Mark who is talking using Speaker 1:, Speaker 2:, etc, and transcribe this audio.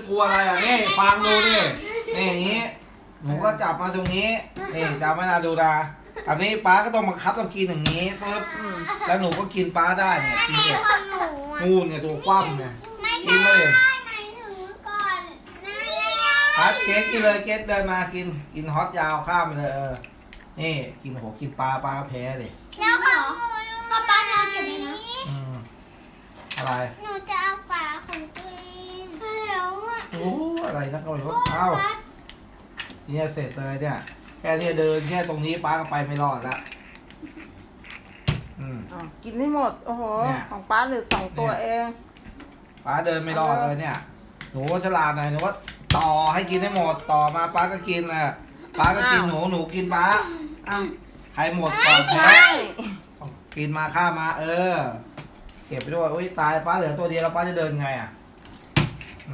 Speaker 1: กลัวอะไรอ่ะนี่ฟังดูดินี่อย่างนี้หนูก็จับมาตรงนี้นี่จับไม่นาดูดาอันนี้ป้าก็ต้องบังคับต้องกินอย่างนี้ปุ๊บแล้วหนูก็กินป้าได้เนี่ยกินเนี่ย
Speaker 2: ของหนูอะ
Speaker 1: งูเนี่ยตัวคว่ำเนี่ย
Speaker 2: ไม่
Speaker 1: กิ
Speaker 2: ใช่
Speaker 1: นเลย
Speaker 2: หมายถึงก่อนหน้าเนี่ย
Speaker 1: เกสกินเลยเกสเดินมากินฮอตยาวข้ามไปเลยนี่กินโหกินปลาแพ้ดิ
Speaker 2: แล้วของหนูอยู่ไหนป้าจะเก็บไว้นะ
Speaker 1: อะไร
Speaker 2: หนูจะเอาฝาของตัวเองแล้วอะ
Speaker 1: โอ้อะไรนักก็ไม่รู้เอ้าเนี่ยเสร็จเลยเนี่ยแค่เนี่ยเดินแค่ตรงนี้ป้าก็ไปไม่รอดแล้ว
Speaker 3: กินไม่หมดโอ้โห
Speaker 1: เนี่ย
Speaker 3: ของป้าเหลือ2 ตัวเอง
Speaker 1: ป้าเดินไม่รอดเลยเนี่ยหนูฉลาดหน่อยหนูว่าต่อให้กินให้หมดต่อมาป้าก็กินแหละป้าก็กินหนูกินป้า
Speaker 3: อ่ะ
Speaker 1: ใครหมดก่อนแพ้
Speaker 3: ใช่
Speaker 1: กินมาข้ามมาเก็บไปด้วยอุ้ยตายป้าเหลือตัวเดียวแล้วป้าจะเดินไงอ่ะ